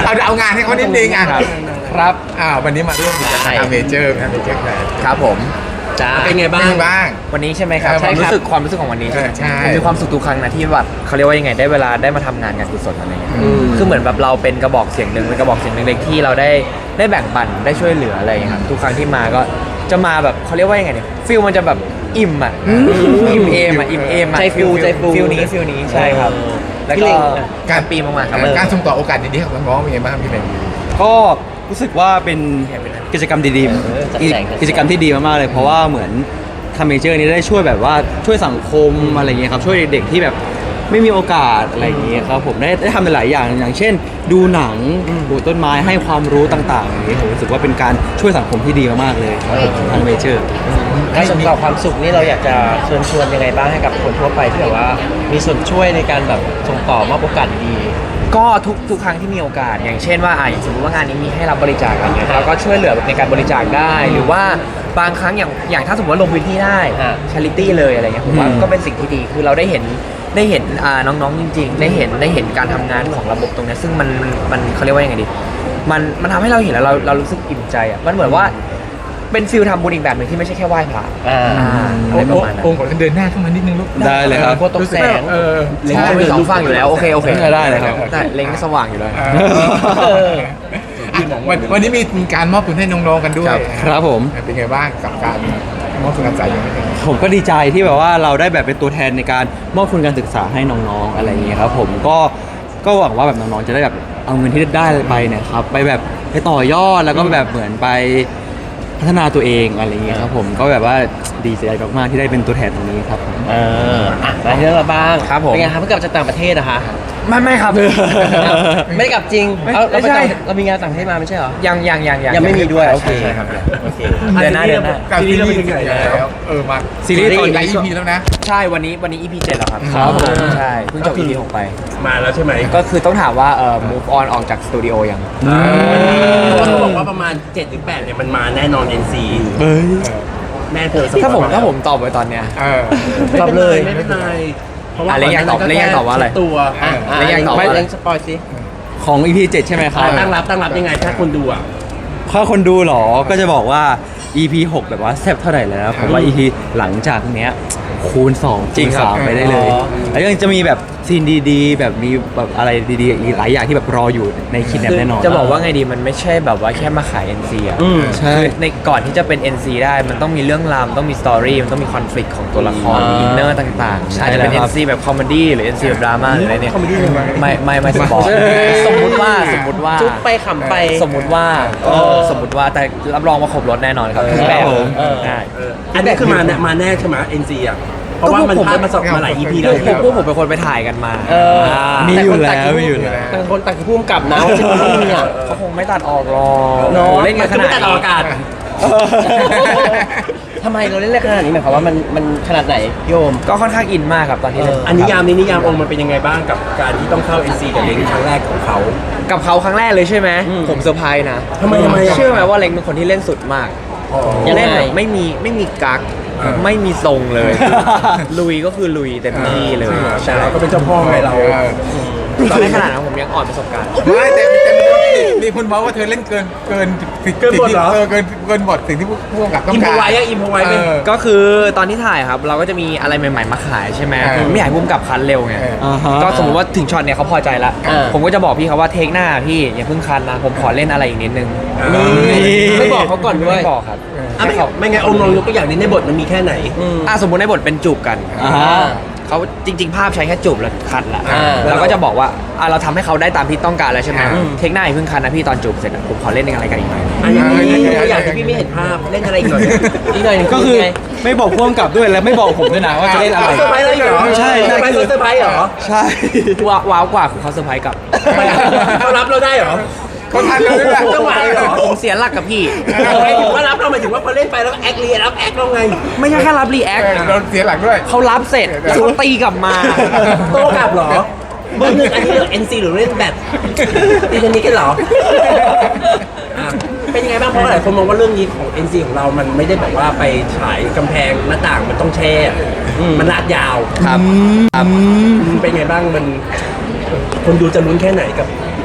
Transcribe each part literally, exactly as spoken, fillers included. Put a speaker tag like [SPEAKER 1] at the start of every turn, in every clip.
[SPEAKER 1] เอาเอางานให้เขานิดนึงอ่ะ
[SPEAKER 2] ครับ
[SPEAKER 1] อ้าววันนี้มาร่วมกิจกรรมเมเจอร์นะเมเจอร์แฟร์
[SPEAKER 2] ครับผม
[SPEAKER 3] จ้า
[SPEAKER 1] เป็นไงบ้างบ้าง
[SPEAKER 2] วันนี้ใช่ไหมครับ
[SPEAKER 1] เออ
[SPEAKER 2] ความ
[SPEAKER 1] ใช่ครับ
[SPEAKER 2] รู้สึกความรู้สึกของวันนี้ใช่ไหม
[SPEAKER 1] เออใช่
[SPEAKER 2] มันมีความสุขทุกครั้งนะที่แบบเขาเรียกว่ายังไงได้เวลาได้มาทำงานงานกุศลอะไรเงี้ย
[SPEAKER 1] อืม
[SPEAKER 2] คือเหมือนแบบเราเป็นกระบอกเสียงหนึ่งเป็นกระบอกเสียงเล็กๆที่เราได้ได้แบ่งปันได้ช่วยเหลืออะไรอย่างเงี้ยครับทุกครั้งที่มาก็จะมาแบบเขาเรียกว่ายังไงเนี่ยฟิลมันจะแบบอิ่มอ่ะอิ่มเอมอ่ะอิ่มเอมอ่ะ
[SPEAKER 3] ใจฟูใจฟู
[SPEAKER 2] ฟิลนี้ฟิลนี้ใช่ครับแล้ว
[SPEAKER 3] พี่
[SPEAKER 2] ก็
[SPEAKER 3] เล็ง
[SPEAKER 2] การปีมากๆครับ
[SPEAKER 1] การส่งต่อโอกาสดีๆของน้องๆเป็นไงบ้างพี่เบน
[SPEAKER 4] ก็รู้สึกว่าเป็นกิจกรรมดี
[SPEAKER 3] เออจัดแจง
[SPEAKER 4] ๆกิจกรรมที่ดีมากๆเลยเพราะว่าเหมือนทำเมเจอร์นี้ได้ช่วยแบบว่าช่วยสังคมอะไรอย่างเงี้ยครับช่วยเด็กๆที่แบบไม่มีโอกาสอะไรอย่างเงี้ยครับผมได้ได้ทำหลายอย่างอย่างเช่น ดูหนังปลูกต้นไม้ให้ความรู้ต่างๆอย่างเงี้ยผมรู้สึกว่าเป็นการช่วยสังคมที่ดีมากๆเลยทางเมเจอร์
[SPEAKER 3] การส่งต่อความสุขนี่เราอยากจะเชิญชวนยังไงบ้างให้กับคนทั่วไปที่แบบว่ามีส่วนช่วยในการแบบส่งต่อมอบโอกาสดี
[SPEAKER 2] ก็ทุกทุกครั้งที่มีโอกาสอย่างเช่นว่าอ่ะอย่างสมมติว่างานนี้มีให้รับบริจาคอะไรเงี้ยเราก็ช่วยเหลือในการบริจาคได้ หรือว่าบางครั้งอย่างอย่างถ้าสมมติว่าลงพื้นที่ได้
[SPEAKER 3] อ่า
[SPEAKER 2] ชาริตี้เลยอะไรเงี้ยผมว่า
[SPEAKER 4] อืม
[SPEAKER 2] ก็เป็นสิ่งที่ดีคือเราได้เห็นได้เห็นอ่าน้องๆจริง ๆ ได้เห็นได้เห็นการทำงานของระบบตรงเนี้ยซึ่งมันมันมันเขาเรียกว่ายังไงดีมันมันทำให้เราเห็นแล้วเราเรารู้สึกอิ่มใจอ่ะมันเหมือนว่าเป็นฟิลทำบุญอีกแบบหนึ่งที่ไม่ใช่แค่ไหว้พระ
[SPEAKER 3] อ่า
[SPEAKER 2] อ่าอะไรประมาณนั้น
[SPEAKER 1] องค์ขอเดินหน้าเข้ามานิดนึงลูก
[SPEAKER 4] ได้เลยครับ
[SPEAKER 3] กลัวตกแสง
[SPEAKER 1] เออ
[SPEAKER 2] เล็งไปสองฝั่งอยู่แล้วโอเคโอเค
[SPEAKER 4] ได้เลยครับ
[SPEAKER 2] ได้เล็งสว่างอยู่เลย
[SPEAKER 1] เอออ่ะวันวันนี้มีการมอบทุนให้น้องๆกันด้วย
[SPEAKER 4] ครับผม
[SPEAKER 1] เป็นไงบ้างกับการมอบทุนการศึกษาอย่างนี้
[SPEAKER 4] ผมก็ดีใจที่แบบว่าเราได้แบบเป็นตัวแทนในการมอบทุนการศึกษาให้น้องๆอะไรอย่างเงี้ยครับผมก็ก็หวังว่าแบบน้องๆจะได้แบบเอาเงินที่ได้ไปเนี่ยครับไปแบบไปต่อยอดแล้วก็แบบเหมือนไปพัฒนาตัวเองอะไรอย่างเงี้ยครับผมก็แบบว่าดีใจมากๆที่ได้เป็นตัวแทนตรงนี้ครับผม
[SPEAKER 3] เอออ่ะมาที่เรื่องเราบ้าง
[SPEAKER 2] ครับผม
[SPEAKER 3] เป็นไงครับเพิ่งกลับจากต่างประเทศนะคะ
[SPEAKER 2] ไม่ไม่ครับ
[SPEAKER 3] ไม่ได้กลับจริง
[SPEAKER 2] ไม่
[SPEAKER 3] เอาเราไป
[SPEAKER 2] ไม่ใช่
[SPEAKER 3] ต่างเรามีงานต่างประเทศมาไม่ใช่เหรอ
[SPEAKER 2] ยังยังยัง
[SPEAKER 3] ยังไม่มีด้วยโอเค
[SPEAKER 2] ใช่ครับ
[SPEAKER 3] โอเค
[SPEAKER 2] เดือนหน้าเดือนหน้า
[SPEAKER 1] การซีรีส์ถึงไหนแล้วเออมา
[SPEAKER 4] ซีรีส์ตอนนี้
[SPEAKER 1] หลาย อี พีแล้วนะ
[SPEAKER 2] ใช่วันนี้วันนี้ อี พี เจ็ดแล้วครับ
[SPEAKER 4] ครับผม
[SPEAKER 2] ใช่เพิ่งจบ อี พี หกไป
[SPEAKER 5] มาแล้วใช่ไหม
[SPEAKER 2] ก็คือต้องถามว่าเอ่อ move on ออกจากสตูดิโอยัง
[SPEAKER 5] เพราะว่าเขาบอกว่าประมาณเจ็ดหรือแปดเนี่ยมันมาแน่นอน เอ็น ซี
[SPEAKER 4] เอ้ย
[SPEAKER 5] แม่เธอสปอย
[SPEAKER 2] ถ้าผม
[SPEAKER 5] แล้ว
[SPEAKER 2] ถ้าผมตอบไปตอนเนี้ย
[SPEAKER 1] เออ
[SPEAKER 3] ตอบเลย
[SPEAKER 5] ไม่เป็นไรเพราะว่า
[SPEAKER 2] อ่ะแล้วยังตอบแล้วยังตอบว่าอะไร
[SPEAKER 5] ตัว
[SPEAKER 3] อ่ะ
[SPEAKER 2] แล้วยังตอบว่าอะไร
[SPEAKER 3] เล่นสปอยสิ
[SPEAKER 4] ของ อี พี เจ็ดใช่ไหมครับ
[SPEAKER 5] ตั้งรับตั้งรับยังไงถ้าคนดูอ่ะ
[SPEAKER 4] ถ้าคนดูเหรอ ก็จะบอกว่า อี พี หกแบบว่าแซ่บเท่าไหร่แล้ว ผมว่า อี พี หลังจากเนี้ยคูณสอง
[SPEAKER 2] จริงครับ
[SPEAKER 4] คูณสามไปได้เลย
[SPEAKER 3] อ๋อ
[SPEAKER 4] แล้วยังจะมีแบบซีนดีๆ แบบมีแบบอะไรดีๆ อีกหลายอย่างที่แบบรออยู่ในคิดแนปแน่นอน
[SPEAKER 2] จะบอกว่าไงดีมันไม่ใช่แบบว่าแค่มาขาย เอ็น ซี อ่ะ
[SPEAKER 4] อืมใช่
[SPEAKER 2] คือในก่อนที่จะเป็น เอ็น ซี ได้มันต้องมีเรื่องราวมันต้องมีสตอรี่มันต้องมีคอนฟ lict ของตัวละคร
[SPEAKER 3] อ่า
[SPEAKER 2] อินเนอร์ต่างๆ
[SPEAKER 4] ใช่
[SPEAKER 2] อาจจะเป็น
[SPEAKER 4] แล้ว
[SPEAKER 2] เอ็
[SPEAKER 4] ครั
[SPEAKER 2] น
[SPEAKER 4] บ
[SPEAKER 2] ซี แบบคอมเมดี้หรือ เอ็น ซี แบบดราม่าหรืออะไรเนี่ย
[SPEAKER 5] คอมเมดี้เลยมั้ย
[SPEAKER 2] ไม่ไม่ไม่สปอยสมมุติว่าสมมุติว่า
[SPEAKER 3] จุ๊บไปขำไป
[SPEAKER 2] สมมุติว่า
[SPEAKER 3] เออ
[SPEAKER 2] สมมุติว่าแต่รับรองว่าครบรถแน่นอนครับทุกแบบ
[SPEAKER 4] ครับผม
[SPEAKER 3] เออ
[SPEAKER 2] ได้
[SPEAKER 5] เอออันนี้คือมาแน่มาแน่ใช่ไหม เอ็น ซี อ่ะ เพราะว่ามัน
[SPEAKER 2] ก็พวกผม
[SPEAKER 5] พาดมาสองมาหลาย อี พี แล้ว
[SPEAKER 2] พวกพวกผมเป็นคนไปถ่ายกันมา
[SPEAKER 3] เออ
[SPEAKER 2] อ่า
[SPEAKER 4] มีอยู่
[SPEAKER 3] ต่
[SPEAKER 4] แล้ว
[SPEAKER 3] คน
[SPEAKER 4] มีอยู่แล้ว
[SPEAKER 3] ต่างคนต่างพุ่มกับนะว่าจะมีเนี่ย
[SPEAKER 2] เขาคงไม่ตัดออกหรอก
[SPEAKER 3] เนอะ
[SPEAKER 2] โอ้เล่นกันข
[SPEAKER 5] คือ
[SPEAKER 2] นา
[SPEAKER 5] ไม่
[SPEAKER 2] ด
[SPEAKER 5] ตัดออก
[SPEAKER 2] นี้
[SPEAKER 5] อากาศ
[SPEAKER 3] ทำไมเราเล่นเล่นขนาดนี้หมายความว่ามันมันขนาดไหนพี่โอม
[SPEAKER 2] ก็ค่อนข้างอินมากครับตอนที่เล่น
[SPEAKER 5] อันนิยามนี้นิยามองค์มันเป็นยังไงบ้างกับการที่ต้องเข้า เอ็น ซี กับเล้งครั้งแรกของเขา
[SPEAKER 2] กับเขาครั้งแรกเลยใช่ไหมผมเซอร์ไพรส์นะ
[SPEAKER 5] ทำไมทำไมอ่ะ
[SPEAKER 2] เชื่อไหมว่าเล็งเป็นคนที่เล่นสุดมาก
[SPEAKER 3] ยังไง
[SPEAKER 2] เล่นแบบไม่มีไม่มีกักไม่มีทรงเลย ลุยก็คือลุยเต็มที่เลย
[SPEAKER 5] แต่เราก็เป็นเจ้าพ่อไงเรา
[SPEAKER 2] ตอนในขนาดนั้นผมยังอ่อนประสบการณ์
[SPEAKER 1] ไม่แต่แต่มีคนเมาว่าเธอเล่นเกินเกินสิ่ง
[SPEAKER 5] เกินบทเหรอ
[SPEAKER 1] เออเกินเกินบทสิ่งที่ผู้กำกับต้อง
[SPEAKER 5] อิมพ
[SPEAKER 1] การ
[SPEAKER 5] อไว้อะอิมพอไว้เป็น
[SPEAKER 1] เออ
[SPEAKER 2] ก็คือตอนที่ถ่ายครับ เราก็จะมีอะไรใหม่ๆมาขายใช่ไหม
[SPEAKER 1] เออ
[SPEAKER 2] ไม่อยากให้พุ่มกับคันเร็วไง
[SPEAKER 1] เออ
[SPEAKER 4] อ่าฮะ
[SPEAKER 2] ก็สมมติว่าถึงช็อตเนี่ยเขาพอใจละ
[SPEAKER 3] เออ
[SPEAKER 2] ผมก็จะบอกพี่เขาว่าเทคหน้าพี่อย่าเพิ่งคันนะผมขอเล่นอะไรอีกนิดนึง
[SPEAKER 3] ไม่บอกเขาก่อนด้วย
[SPEAKER 2] ไม่บอกครับ
[SPEAKER 5] อ่ะไม่ไม่ไงองค์ลองยกตัวอย่างนี้ในบทมันมีแค่ไหน
[SPEAKER 2] อ่ะสมมติในบทเป็นจูบกัน
[SPEAKER 4] อ่าฮะ
[SPEAKER 2] เขาจริง ๆ ภาพใช้แค่จูบแล้วคัดละ
[SPEAKER 3] อ่า
[SPEAKER 2] เราก็จะบอกว่าอ่ะเราทำให้เขาได้ตามที่ต้องการแล้วใช่ไหม
[SPEAKER 1] อืม
[SPEAKER 2] เทคหน้าอย่าเพิ่งคันนะพี่ตอนจูบเสร็จอะผมขอเล่นอะไรกันอีกหน่อย
[SPEAKER 5] อันนี้มีตัวอย่างที่พี่ไม่เห็นภาพเล่นอะไรอีกหน่อย
[SPEAKER 3] อีกหน่อยหนึง
[SPEAKER 4] ก็คือ
[SPEAKER 3] ไง
[SPEAKER 4] ไม่บอกพ่วงกับด้วยและไม่บอกผมด้วยนะว่าจะเล่นอะไร
[SPEAKER 5] เซอร์ไพรส์อะไรเหรอ
[SPEAKER 4] ใช่
[SPEAKER 5] เซอ
[SPEAKER 4] ใช่
[SPEAKER 5] ร์ไพรส์
[SPEAKER 4] คือ
[SPEAKER 5] เซอร์ไพรส์เหรอ
[SPEAKER 4] ใช่
[SPEAKER 2] ว้าวว้าวกว่าคือเขาเซอร์ไพรส์กลับ
[SPEAKER 5] เขารับเราได้เหรอ
[SPEAKER 1] เขาทันเลยด้วย
[SPEAKER 5] จังหวะเลยเหรอ
[SPEAKER 2] ผมเสียหลักกับพี่
[SPEAKER 5] หมายถึงว่ารับเราหมายถึงว่าพอเล่นไปแล้วแอคเรียรับแอคเราไง
[SPEAKER 2] ไม่ใช่แค่รับรีแอค
[SPEAKER 1] โดนเสียหลักด้วย
[SPEAKER 2] เขารับเสร็จแล้วเขาตีกลับมา
[SPEAKER 5] โต้กลับเหรอเบอร์หนึ่งอันนี้เรื่อง เอ็น ซี หรือเล่นแบบตีเทนนิสกันเหรออ่ะเป็นยังไงบ้างเพราะหลายคนมองว่าเรื่องนี้ของ เอ็น ซี ของเรามันไม่ได้แบบว่าไปฉายกำแพงหน้าต่างมันต้องแช่มันลาดยาว
[SPEAKER 2] ครับครับ
[SPEAKER 5] เป็นไงบ้างมันคนดูจะลุ้นแค่ไหนกับ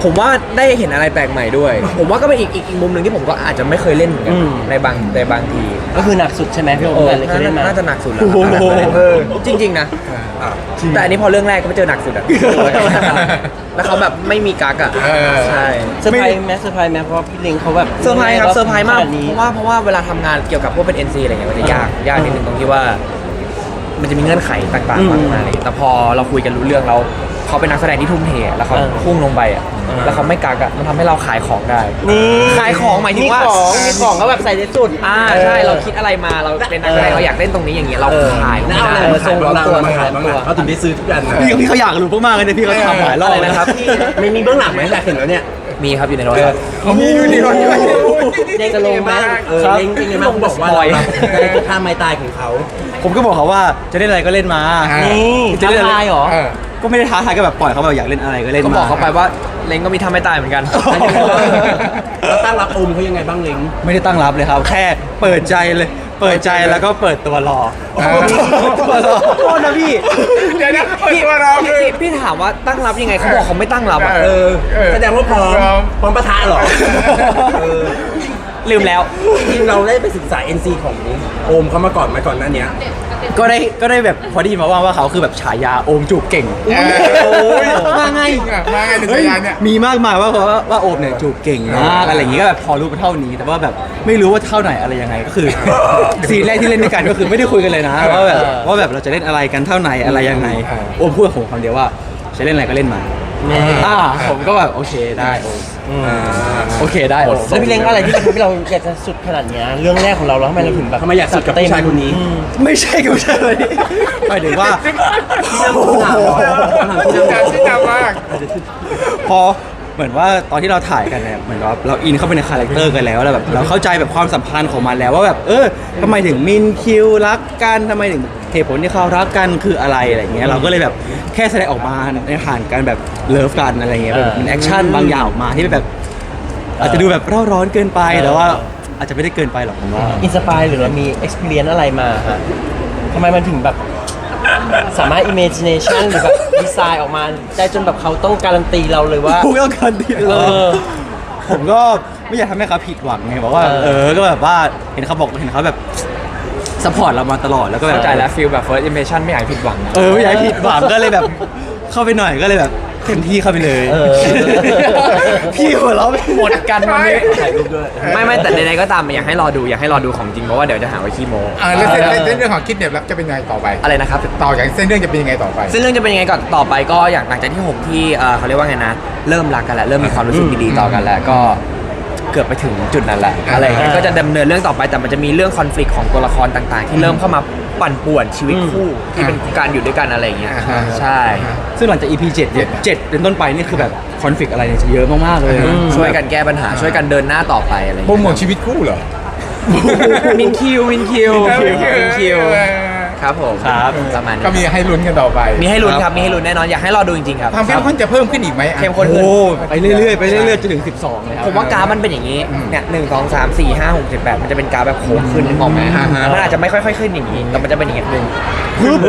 [SPEAKER 2] ผมว่าได้เห็นอะไรแปลกใหม่ด้วย ผมว่าก็เป็นอีกอีกอีกมุมหนึ่งที่ผมก็อาจจะไม่เคยเล่นเหมือนกัน
[SPEAKER 3] อืม
[SPEAKER 2] ในบางในบางที
[SPEAKER 3] ก็คือหนักสุดใช่ไหมพี่โอม
[SPEAKER 2] เออ
[SPEAKER 3] เคยเล่นมา
[SPEAKER 2] น่าจะหนักสุดแล้ว
[SPEAKER 3] โอ้โห
[SPEAKER 2] เออจริง ๆ นะ แต่อันนี้พอเรื่องแรกก็ไปเจอหนักสุด อะแล้วเขาแบบไม่มีกักอะ
[SPEAKER 1] เออ
[SPEAKER 2] ใช่
[SPEAKER 3] เซอร์ไพรส์ไหมเซอร์ไพรส์ไหมเพราะว่าพี่ลิงเขาแบบ
[SPEAKER 2] เซอร์ไพรส์ครับเซอร์ไพรส์มาก
[SPEAKER 3] ขนดนี้
[SPEAKER 2] เพราะว่าเพราะว่าเวลาทำงานเกี่ยวกับพวกเป็น เอ็น ซี อะไรเงี้ยมันจะยากยากนิดนึงตรงที่ว่า มันจะมีเงื่อนไขต่างๆมากมายเลยแต่พอเราคุยกันรู้เรื่องแล้วเขาเป็นนักแสดงที่ทุ่มเทแล้วเขาพุ่งลงไปอะแล้วเขาไม่กักอะมันทำให้เราขายของได้
[SPEAKER 3] นี่
[SPEAKER 2] ขายของหมายถึงว่า
[SPEAKER 3] ของมีของก็แบบใส่ในสุด
[SPEAKER 2] อ่าใช่เราคิดอะไรมาเราเป็นนักแสดงเราอยากเล่นตรงนี้อย่างเงี้ยเราขาย
[SPEAKER 5] แล้วเอาอะไรมาขายบ้างล่ะเอามาขายบ้างล่ะเขาถึงได้ซื้อทุกอันนะ
[SPEAKER 4] พี่พี่เขาอยากรู้มากๆเลยเนี่ยพี่เขาทำหลายรอบ
[SPEAKER 2] อะไรนะครับ
[SPEAKER 5] ไม่มีเบื้องหลังไหมอยากเห็นแล้วเนี่ย
[SPEAKER 2] มีครับอยู่ในรถครับ
[SPEAKER 1] เขามีอยู่ในรถด้วย
[SPEAKER 5] เด้งจะลงไหมเออเด้งเป็นไงบ้างเขาบอกว่าเราเป็นท่าไม้ตายของเขา
[SPEAKER 4] ผมก็บอกเขาว่าจะเล่นอะไรก็เล่นมา
[SPEAKER 1] อ่า
[SPEAKER 3] นี่
[SPEAKER 4] จะ
[SPEAKER 3] ท้า
[SPEAKER 4] เล่นอะไร
[SPEAKER 3] ทายเหรอ
[SPEAKER 1] เออ
[SPEAKER 4] ก็ไม่ได้ท้าทายก็แบบปล่อยเขาแบบอยากเล่นอะไรก็เล่น
[SPEAKER 2] ก็
[SPEAKER 4] มา
[SPEAKER 2] บอกเขาไปว่าเล้งก็มีทำไม่ตายเหมือนกัน
[SPEAKER 5] แล้วตั้งรับอมเขายังไงบ้างเล้ง
[SPEAKER 4] ไม่ได้ตั้งรับเลยครับ แค่เปิดใจเลย เปิดใจแล้วก็เปิดตัวรอ
[SPEAKER 1] เออ
[SPEAKER 4] ตัวรอโทษนะพี่
[SPEAKER 1] เดี๋ยวนะเปิดตัวเราคือ
[SPEAKER 2] พี่พี่ถามว่าตั้งรับยังไงเขาบอกเขาไม่ตั้งรับอะ
[SPEAKER 5] เออ
[SPEAKER 1] เออ
[SPEAKER 5] แสดงว่าพร้อม
[SPEAKER 1] พร้อม
[SPEAKER 5] พร้อมปะทะเหรอเออ
[SPEAKER 2] ลืมแล้ว
[SPEAKER 5] จริงๆเราได้ไปศึกษา เอ็น ซี ของโอมเขามาก่อนไหมก่อนหน้าเนี้ย
[SPEAKER 4] ก็ได้ก็ได้แบบพอได้ยินมาว่าว่าเขาคือแบบฉายาโอมจูบเก่ง
[SPEAKER 1] เออ
[SPEAKER 4] โอ้ยมาไง
[SPEAKER 1] จริอะมาไงใน
[SPEAKER 4] เฮ้
[SPEAKER 1] ฉาย ยาเนี่ย
[SPEAKER 4] มีมากมายว่าว่าว่าโอมเนี่ยจูบเก่งมากอะไรอย่างงี้ก็แบบพอรู้ไปเท่านี้ แต่ว่าแบบไม่รู้ว่าเท่าไหนอะไรยังไงก็คือซีนแรกที่เล่นด้วยกันก็คือไม่ได้คุยกันเลยนะว่าแบบว่าแบบเราจะเล่นอะไรกันเท่าไหนอะไรยังไงโอมพูดกับผมคำเดียวว่าจะเล่นอะไรก็เล่นมาอ่าผมก็แบบโอเคได้โอมโอเคได้โอม
[SPEAKER 3] แล้วพี่เล้งอะไรที่ทำให้เราอยากจะสุดขนาดเนี้ยเรื่องแรกของเราแล้วทำไมเราถึงแบบ
[SPEAKER 5] ทำไมอยากสุดกับผู้ชายคนนี้
[SPEAKER 3] อืม
[SPEAKER 4] ไม่ใช่กับใช่เลยหมายถึงว่า
[SPEAKER 5] ที่นั่งที่นั่งเหรอที่นั่ง
[SPEAKER 1] ที่ดังมาก
[SPEAKER 4] พอเหมือนว่าตอนที่เราถ่ายกันเนี่ยเหมือนว่าเราอินเข้าไปในคาแรคเตอร์กันแล้วแล้วแบบเราเข้าใจแบบความสัมพันธ์ของมันแล้วว่าแบบเออทำไมถึงมินคิวรักกันทำไมถึงเหตุผลที่เขารักกันคืออะไรอะไรเงี้ยเราก็เลยแบบแค่แสดงออกมาในผ่านการแบบเลิฟกันอะไรเงี้ยแบบเป็นแอคชั่นบางอย่างออกมาที่แบบ อาจจะดูแบบเร่าร้อนเกินไปแต่ว่าอาจจะไม่ได้เกินไปหรอกผมว่า
[SPEAKER 3] อินสปายหรือเรามี experience อะไรมาฮะทำไมมันถึงแบบสามารถ imagination หรือแบบดีไซน์ออกมาได้จนแบบเขาต้องการันตีเราเลยว่า
[SPEAKER 4] พูดแล้วกันดี
[SPEAKER 3] เออ
[SPEAKER 4] ผมก็ไม่อยากทำให้เขาผิดหวังไงบอกว่า
[SPEAKER 3] เออ
[SPEAKER 4] เออก็แบบว่าเห็นเขาบอกเห็นเขาแบบสปอร์ตเรามาตลอดแล้วก็แบบ
[SPEAKER 2] เข้าใจแล้วฟีลแบบ first impression ไม่อยากให้ผิดหวังนะ
[SPEAKER 4] เออไม่อยากให้ผิดหวังก็เลยแบบเข้าไปหน่อยก็เลยแบบเต็มที่เข้าไปเลย
[SPEAKER 3] เออ
[SPEAKER 4] พี่หัวเราะไปหมด
[SPEAKER 2] กันวันนี้
[SPEAKER 5] ถ่ายรูปด้วย
[SPEAKER 2] ไม่ไม่แต่ใดๆก็ตามอยากให้รอดูอยากให้รอดูของจริงเพราะว่าเดี๋ยวจะหาว่าขี้โม
[SPEAKER 1] อ่าแล้วเส้นเส้นเรื่องของคิดเนี่ยรับจะเป็นยังไงต่อไป
[SPEAKER 2] อะไรนะครับ
[SPEAKER 1] ต่อจากเส้นเรื่องจะเป็นยังไงต่อไป
[SPEAKER 2] เส้นเรื่องจะเป็นยังไงก่อนต่อไปก็อย่างหลังจากที่ผมที่เอ่อเขาเรียกว่าไงนะ เริ่มรักกันแล้วเริ่มมีความรู้สึกดีๆต่อกันแล้วก็เกือบไปถึงจุดนั้นแหละ
[SPEAKER 1] อ่า
[SPEAKER 2] อะไรอย่างเงี้ยก็จะดำเนินเรื่องต่อไปแต่มันจะมีเรื่องคอน FLICT ของตัวละครต่างๆ ที่เริ่มเข้ามาปั่นป่วนชีวิตคู่ที่เป็นการอยู่ด้วยกันอะไรอย่างเงี้ย
[SPEAKER 1] อ่าฮะ
[SPEAKER 2] ใช่
[SPEAKER 4] ซึ่งหลังจาก อี พี เจ็ดเนี่ยเจ็ดเป็นต้นไปนี่คือแบบคอนฟ lict อะไรเนี่ยจะเยอะมากๆเลย
[SPEAKER 2] ช่วยกันแก้ปัญหาช่วยกันเดินหน้าต่อไปอะไรอย่าง
[SPEAKER 1] โปร
[SPEAKER 2] เงี้ย
[SPEAKER 1] โมทชีวิตคู่เหรอ
[SPEAKER 2] มินคิวมินคิวมินคิว
[SPEAKER 1] เออ
[SPEAKER 2] ครับผม
[SPEAKER 4] ครับ
[SPEAKER 2] ประมาณนี้
[SPEAKER 1] ก็มีให้ลุ้นกันต่อไป
[SPEAKER 2] มีให้ลุ้นครับมีให้ลุ้นแน่นอนอยากให้รอดูจริงๆครับ
[SPEAKER 1] ความเข้มข้นจะเพิ่มขึ้นอีกไหมอ่ะ
[SPEAKER 2] เข้มข้น
[SPEAKER 4] โอ้
[SPEAKER 2] ขึ้น
[SPEAKER 4] ไปเรื่อยๆไปเรื่อยๆจนถึงสิบสองเลยครับ
[SPEAKER 2] ผมว่ากราฟมันเป็นอย่างนี้ เนี่ยหนึ่งสองสามสี่ห้าหกเจ็ดแปดมันจะเป็นกราฟแบบโค้งขึ้นนึกออกไหม
[SPEAKER 1] อ่าฮะ
[SPEAKER 2] มันอาจจะไม่ค่อยๆขึ้นอย่างนี้ แต่มันจะเป็นอย่างนี้หนึ่ง
[SPEAKER 4] ฮึบเลย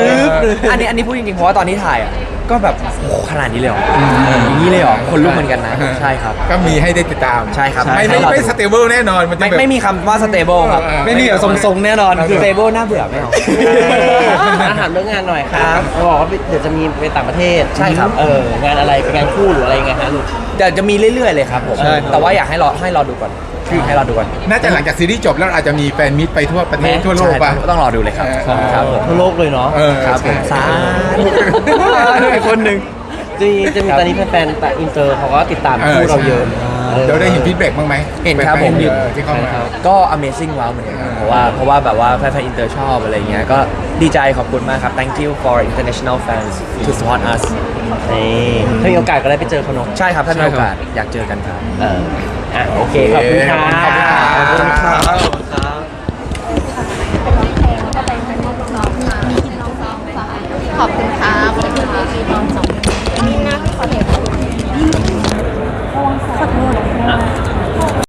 [SPEAKER 2] อันนี้อันนี้พูดจริงๆ เพราะว่าตอนที่ถ่ายอ่ะ ก็แบบโอ้โหขนาดนี้เลยเหรออย่างนี้เลยเหรอ คนลุกเหมือนกันนะ ใช่ครับ
[SPEAKER 1] ก็มีให้ได้ติดตาม
[SPEAKER 2] ใช่ครับ
[SPEAKER 1] ไม่ไม่ไม่สเตเบิลแน่นอนมันจะ
[SPEAKER 2] ไม่
[SPEAKER 1] แบบ
[SPEAKER 2] ไม่มีคำว่า stable ครับ
[SPEAKER 1] เออ
[SPEAKER 4] ไม่มีแบบทรงๆแน่นอนคือ
[SPEAKER 2] stable น่าเบื่อไม่เอา
[SPEAKER 3] อาถามเรื่องงานหน่อยครับเขาบอกว่าเดี๋ยวจะมีไปต่างประเทศ
[SPEAKER 2] ใช่ครับ
[SPEAKER 3] เอองานอะไรเป็นงานคู่หรืออะไรยังไงฮะลูก
[SPEAKER 2] เดี๋ยวจะมีเรื่อยๆเลยครับผม
[SPEAKER 4] ใช่ครับ
[SPEAKER 2] แต่ว่าอยากให้รอให้รอดูก่อนให้รอดูก่อน
[SPEAKER 1] น่าจะหลังจากซีรีส์จบแล้วอาจจะมีแฟนมิตรไปทั่วประเทศ
[SPEAKER 3] แม้
[SPEAKER 1] ทั่วโลกป่ะ
[SPEAKER 2] ใช่ต้องรอดูเลยครับ
[SPEAKER 1] เออ
[SPEAKER 2] ครับผม
[SPEAKER 3] ทั่วโลกเลยเนาะ
[SPEAKER 1] เออ
[SPEAKER 2] ครับผม
[SPEAKER 1] ใช่
[SPEAKER 2] สา
[SPEAKER 4] อีกคนหนึ่ง
[SPEAKER 3] จริงๆจะมีตอนนี้แฟนๆแต่อินเตอร์เขาก็ติดตามคู่เราเยอะ
[SPEAKER 1] เดี๋ยวได้เห็นฟีดแบ็กบ้างไหม
[SPEAKER 2] เห็นครับผม
[SPEAKER 1] เออที่เข้ามา
[SPEAKER 2] ก็ Amazing ว้าวเหมือนกันครับเพราะว่าเพราะว่าแบบว่าแฟนๆอินเตอร์ชอบอะไรเงี้ยก็ดีใจขอบคุณมากครับ thank you for international fans to support us
[SPEAKER 3] นี่ถ้ามีโอกาสก็ได้ไปเจอเขาเนาะ
[SPEAKER 2] ใช่ครับถ้ามีโอกาสอยากเจอกันครับ
[SPEAKER 3] เอออ่ะโอเคขอบคุณครับ
[SPEAKER 1] ขอบคุณครับ
[SPEAKER 3] ขอบคุณครับ
[SPEAKER 6] ขอบคุณครับขอบคุณครับนี่นะขอเดี๋ยว